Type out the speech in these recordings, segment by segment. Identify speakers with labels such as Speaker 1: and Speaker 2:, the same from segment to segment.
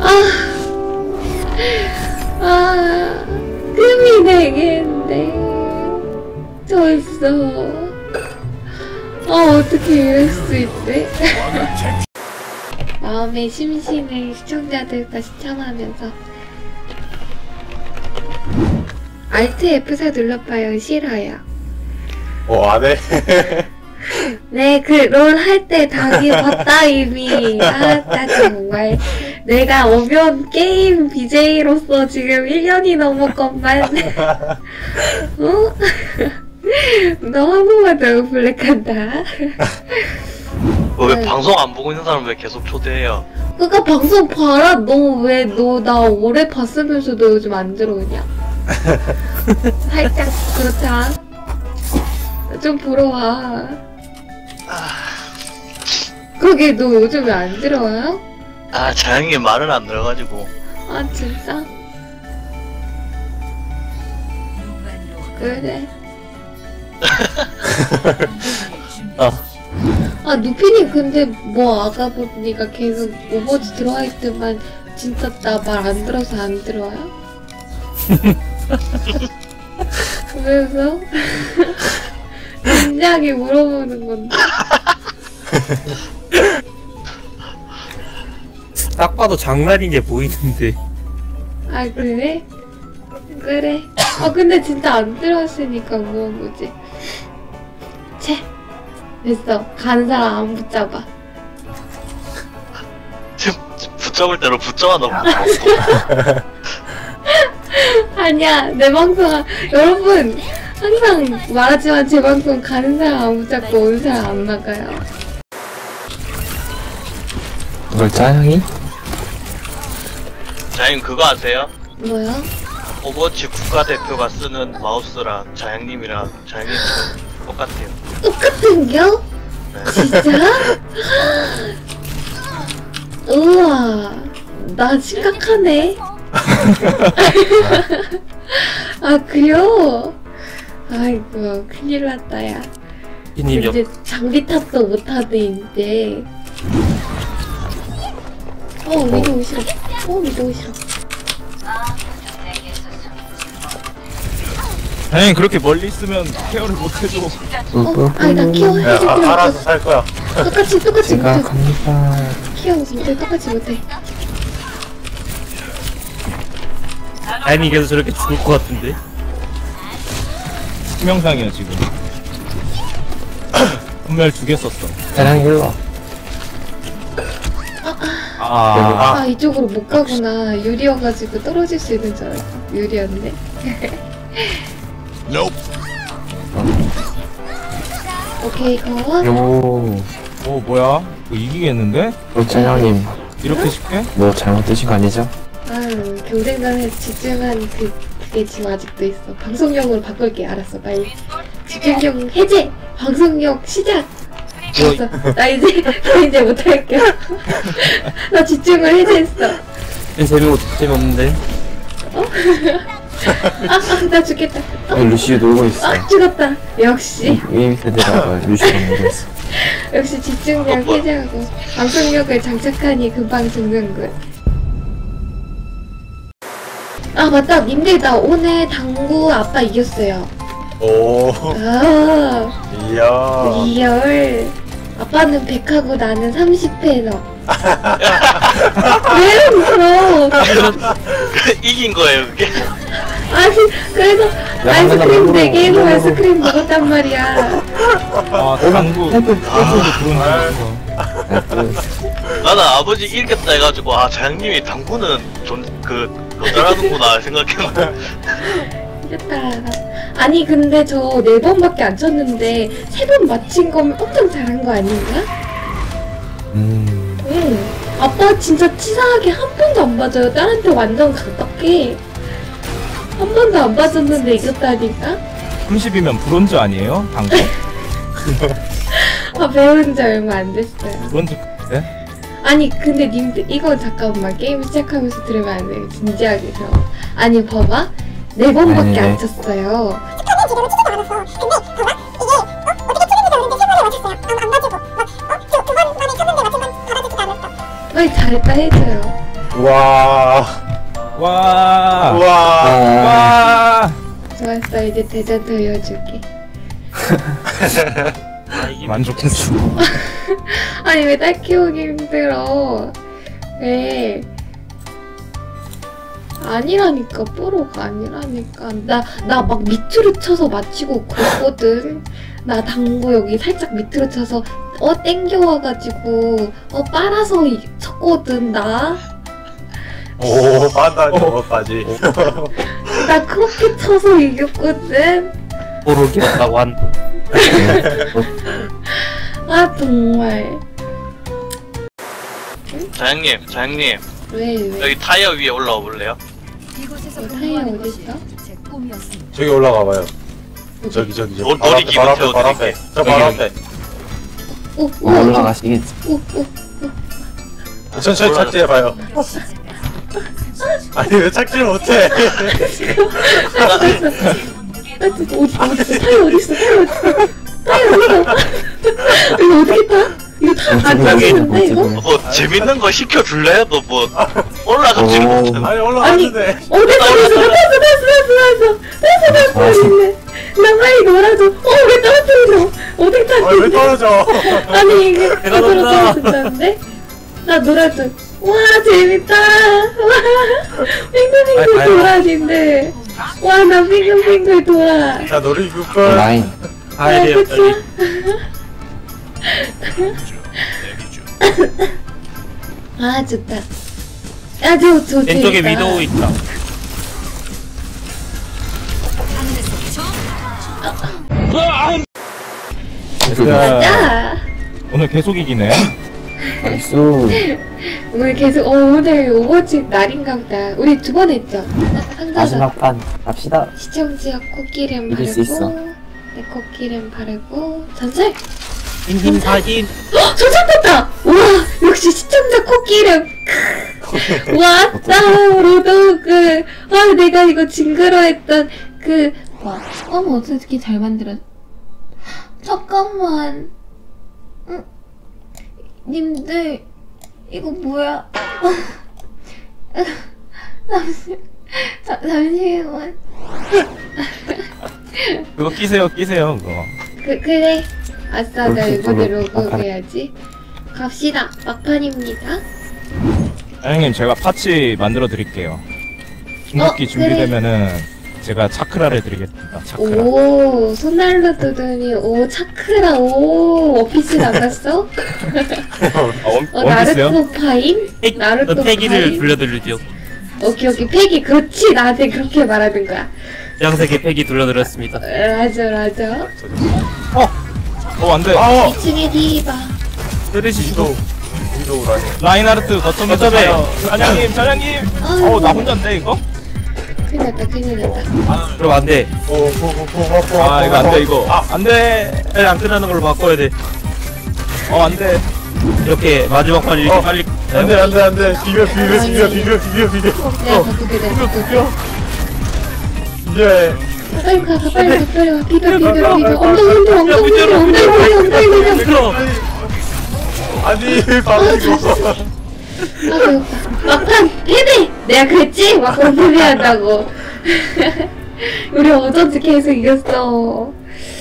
Speaker 1: 금이 되겠네. 졌어. 어떻게 이럴 수 있대? 마음의 심신을 시청자들과 시청하면서 Alt F4 눌러봐요. 싫어요.
Speaker 2: 안해?
Speaker 1: 네, 그 롤 할 때 당이 봤다 이미. 나 정말 내가 오면 게임 BJ로서 지금 1년이 넘었건만. 어? 너 한 번만 더 블랙한다.
Speaker 3: 왜 방송 안 보고 있는 사람 왜 계속 초대해요?
Speaker 1: 그니까 방송 봐라. 너 나 오래 봤으면서 너 요즘 안 들어오냐? 살짝 그렇다. 좀 보러 와. 그게 너 요즘 왜 안 들어와요?
Speaker 3: 자영님 말을 안 들어가지고.
Speaker 1: 진짜? 그래. 누피님 근데 뭐 아까 보니까 계속 오버워치 들어와 있더만 진짜 나 말 안 들어서 안 들어와요? 그래서 진지하게 물어보는 건데.
Speaker 4: 딱 봐도 장난인 게 보이는데.
Speaker 1: 그래? 그래. 근데 진짜 안 들어왔으니까 물어본 거지. 채. 됐어. 가는 사람 안 붙잡아.
Speaker 3: 지금 붙잡을 대로 붙잡아 놓고.
Speaker 1: 아니야. 내 방송 여러분 항상 말하지만 제 방송 가는 사람 안 붙잡고 오는 사람 안 나가요.
Speaker 2: 뭘 짜영이?
Speaker 3: 자영님 그거 아세요?
Speaker 1: 뭐야?
Speaker 3: 오버워치 국가대표가 쓰는 마우스랑 자영님이랑 자영님 똑같아요.
Speaker 1: 똑같은겨?
Speaker 3: 네.
Speaker 1: 진짜? 우와, 나 심각하네. 그래요? 아이고, 큰일 났다, 야. 이제 장비 탑도 못하네, 이제. 위도 싫어. 위도 싫어.
Speaker 4: 다행히 그렇게 멀리 있으면 케어를 못해줘.
Speaker 1: 나 케어 해줄 필요 없어.
Speaker 2: 알아서 살 거야.
Speaker 1: 똑같이 못해.
Speaker 2: 갑니다.
Speaker 1: 케어 못해, 똑같이 못해.
Speaker 4: 다행히 계속 저렇게 죽을 것 같은데. 치명상이야 지금. 분멸 2개 썼어.
Speaker 2: 짜영이 일로 와.
Speaker 1: 이쪽으로 못 가구나. 유리여가지고 떨어질 수 있는 줄 알았어. 유리였네. 오케이, 고.
Speaker 4: 뭐야? 뭐 이기겠는데?
Speaker 2: 짜영님
Speaker 4: 이렇게 쉽게?
Speaker 2: 뭐 잘못 드신 거 아니죠?
Speaker 1: 경쟁전에 집중한 그게 지금 아직도 있어. 방송용으로 바꿀게. 알았어, 빨리. 집중력 해제! 방송용 시작! 됐어. 나 이제 못할게. 나 집중을 해제했어.
Speaker 4: 재미없는데?
Speaker 1: 나 죽겠다.
Speaker 2: 루시우 놀고 있어.
Speaker 1: 죽었다. 역시.
Speaker 2: 게임 세대라가 루시우 놀고 있어.
Speaker 1: 역시 집중력 해제하고 방송력을 장착하니 금방 죽는군. 맞다. 님들 나 오늘 당구 아빠 이겼어요.
Speaker 2: 이야.
Speaker 1: 리얼. 아빠는 100하고 나는 30패너. 왜 웃어?
Speaker 3: 이긴 거예요 그게?
Speaker 1: 그래서 아이스크림 4개에서 아이스크림 먹었단 말이야.
Speaker 4: 당구 그런
Speaker 3: 나는 아버지 이겼다 해가지고 자영님이 당구는 잘하는구나 생각했는데.
Speaker 1: 이겼다. 아니 근데 저 4번밖에 안 쳤는데 3번 맞힌 거면 엄청 잘한 거 아닌가? 응. 아빠 진짜 치사하게 한 번도 안 맞아요. 딸한테 완전 가깝게 한 번도 안 맞았는데 이겼다니까?
Speaker 4: 30이면 브론즈 아니에요? 당구?
Speaker 1: 배운 지 얼마 안 됐어요.
Speaker 4: 브론즈 네?
Speaker 1: 아니 근데 님들 이거 잠깐만 게임 시작하면서 들으면 안 돼요. 진지하게 들어. 아니 봐봐. 4번밖에 안 쳤어요.
Speaker 5: 지금은 치지도 않았어. 근데 봐봐 이게 어떻게 치는지도 모르는데 3번을 맞췄어요. 안 맞고 막 2번 만에 쳤는데 맞은 건 받아주지도 않았어.
Speaker 1: 빨리 잘했다 해줘요.
Speaker 6: 와.
Speaker 7: 와.
Speaker 6: 와.
Speaker 7: 와.
Speaker 1: 좋았어, 이제 대전 돌려줄게.
Speaker 7: 만족했어.
Speaker 1: 아니, 왜 딸 키우기 힘들어? 왜? 아니라니까, 뽀로가 아니라니까. 나 막 밑으로 쳐서 맞히고 그랬거든. 나 당구 여기 살짝 밑으로 쳐서, 땡겨와가지고, 빨아서 쳤거든, 나.
Speaker 6: 오, 판단 저거까지.
Speaker 1: 나 그렇게 쳐서 이겼거든.
Speaker 4: 모르겠다고 한.
Speaker 1: 아, 정말.
Speaker 3: 자양님
Speaker 1: 왜?
Speaker 3: 여기 타이어 위에 올라와 볼래요?
Speaker 1: 타이어 어딨어?
Speaker 6: 저기 올라가 봐요. 저기.
Speaker 3: 놀이 기분
Speaker 6: 바로
Speaker 3: 태워드릴게.
Speaker 6: 앞에. 저 바로 앞에.
Speaker 1: 오,
Speaker 2: 올라가시겠지.
Speaker 1: 오.
Speaker 6: 천천히 착지해봐요. 아니 왜 착지를 못해?
Speaker 1: 타이어 어딨어? 이거 어떻게 타? 이거 안 타지는데, 이거?
Speaker 3: 뭐 재밌는 거 시켜줄래요? 너 뭐 올라가지를
Speaker 2: 오.
Speaker 3: 못하는.
Speaker 6: 아니 올라갔는데.
Speaker 1: 됐어. 나 빨리 놀아줘. 왜 떨어뜨려? 어떻게 타지?
Speaker 6: 왜 떨어져?
Speaker 1: 아니, 이게
Speaker 4: 내가
Speaker 1: 그대로
Speaker 4: 놀아.
Speaker 1: 떨어진다는데? 나 놀아줘. 와, 재밌다. 와, 빙글빙글 돌아진대. 와, 나 빙글빙글 돌아.
Speaker 6: 자 놀이기구권.
Speaker 2: 라인.
Speaker 4: 가야 돼요, 빨리.
Speaker 1: 아, 좋다. 야, 저
Speaker 4: 왼쪽에
Speaker 1: 재밌다.
Speaker 4: 위도우 있다.
Speaker 1: 자,
Speaker 7: 오늘 계속 이기네.
Speaker 2: 나이스.
Speaker 1: 오늘 계속, 오늘 오버워치 날인가 보다. 우리 두 번 했죠? 한 가지.
Speaker 2: 마지막 판 갑시다.
Speaker 1: 시청자 코끼름
Speaker 2: 이길 수 있어.
Speaker 1: 바르고, 내 코끼름 바르고, 전설!
Speaker 4: 인힘 사진.
Speaker 1: 전설 떴다! 와, 역시 시청자 코끼름! 왔다, 로도그! 아, 내가 이거 징그러했던 와, 어떻게 잘 만들었... 잠깐만. 님들, 이거 뭐야? 잠시만.
Speaker 7: 그거 끼세요 그거.
Speaker 1: 그래. 아싸, 나 이번에
Speaker 2: 막판.
Speaker 1: 로그해야지. 갑시다. 막판입니다.
Speaker 7: 사장님 제가 파츠 만들어 드릴게요. 중국기
Speaker 1: 그래.
Speaker 7: 준비되면은 제가 차크라를 드리겠습니다. 차크라.
Speaker 1: 오, 손날로 뜨더니, 차크라, 원피스 나갔어?
Speaker 7: 원피스요?
Speaker 1: 나루토 파인? 나루토
Speaker 4: 패기를
Speaker 1: 파인?
Speaker 4: 돌려드리죠.
Speaker 1: 오케이, 패기. 그렇지, 나한테 그렇게 말하는 거야.
Speaker 4: 양색의 패기 돌려드렸습니다.
Speaker 1: 맞아.
Speaker 7: 안돼.
Speaker 1: 2층에 디바.
Speaker 4: 때리시
Speaker 6: 위도우라니.
Speaker 7: 라인하르트 거점에서 가요. 사장님. 나 혼자인데 이거?
Speaker 1: 큰일 났다.
Speaker 4: 그럼 안 돼.
Speaker 7: 아 이거 안돼 이거. 안돼.
Speaker 4: 빨리 안 끝나는 걸로 바꿔야 돼.
Speaker 7: 안돼.
Speaker 4: 이렇게 마지막 판 이렇게 빨리.
Speaker 6: 안돼. 비벼.
Speaker 1: 내가 바꿀게.
Speaker 6: 이제
Speaker 1: 빨리 가. 비벼. 엉덩이 흔들어.
Speaker 4: 미끄러.
Speaker 6: 아니 바뀌고.
Speaker 1: 아, 배고파. 막판 패배! 내가 그랬지? 막판 패배한다고. 우리 어쩐지 계속 이겼어.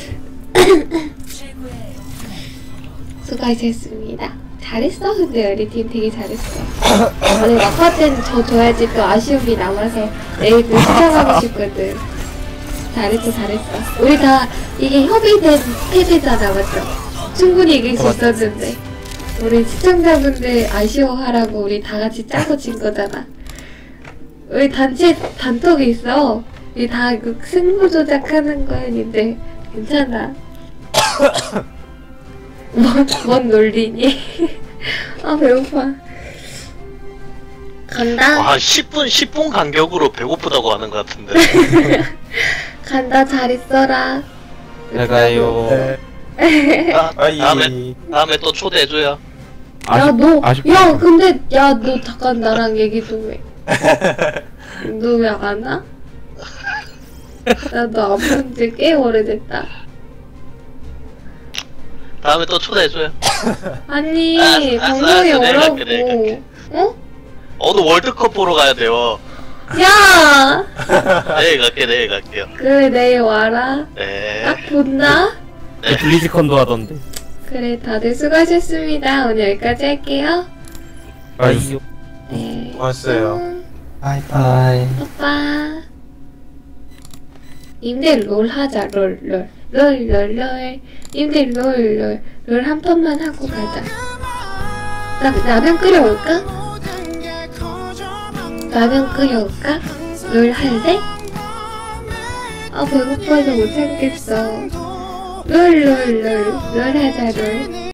Speaker 1: 수고하셨습니다. 잘했어. 근데 우리 팀 되게 잘했어. 오늘 막판 때는 저 줘야지 또 아쉬움이 남아서 내일 또 시청하고 싶거든. 잘했어. 우리 다 이게 협의된 패배잖아, 맞죠? 충분히 이길 수 있었는데. 우리 시청자분들 아쉬워하라고 우리 다 같이 짜고 진 거잖아. 우리 단체 단톡이 있어. 우리 다 그 승부 조작하는 거였는데 괜찮아. 뭔 논리니? 아, 배고파. 간다.
Speaker 3: 와 10분 간격으로 배고프다고 하는 것 같은데.
Speaker 1: 간다. 잘 있어라.
Speaker 4: 잘 가요.
Speaker 3: 다음에 또 초대해줘요.
Speaker 1: 근데, 너 잠깐 나랑 얘기 좀 해. 너 왜 안 와? 나도 안 본 지 꽤 오래됐다.
Speaker 3: 다음에 또 초대해줘요.
Speaker 1: 아니,
Speaker 3: 알았어,
Speaker 1: 방송에
Speaker 3: 내가
Speaker 1: 오라고.
Speaker 3: 갈게.
Speaker 1: 어?
Speaker 3: 오늘 월드컵 보러 가야 돼요.
Speaker 1: 야!
Speaker 3: 내일 갈게요.
Speaker 1: 그래, 내일 와라.
Speaker 3: 네.
Speaker 1: 딱 본다?
Speaker 4: 블리즈컨도 하던데.
Speaker 1: 그래, 다들 수고하셨습니다. 오늘 여기까지 할게요.
Speaker 4: 아이요.
Speaker 1: 네.
Speaker 6: 고맙어요.
Speaker 2: 바이바이.
Speaker 1: 오빠. 님들 롤 하자, 롤. 님들 롤 한 판만 하고 가자. 라면 끓여올까? 라면 끓여올까? 롤 할래? 아, 배고파서 못 참겠어. 롤 하자, 롤.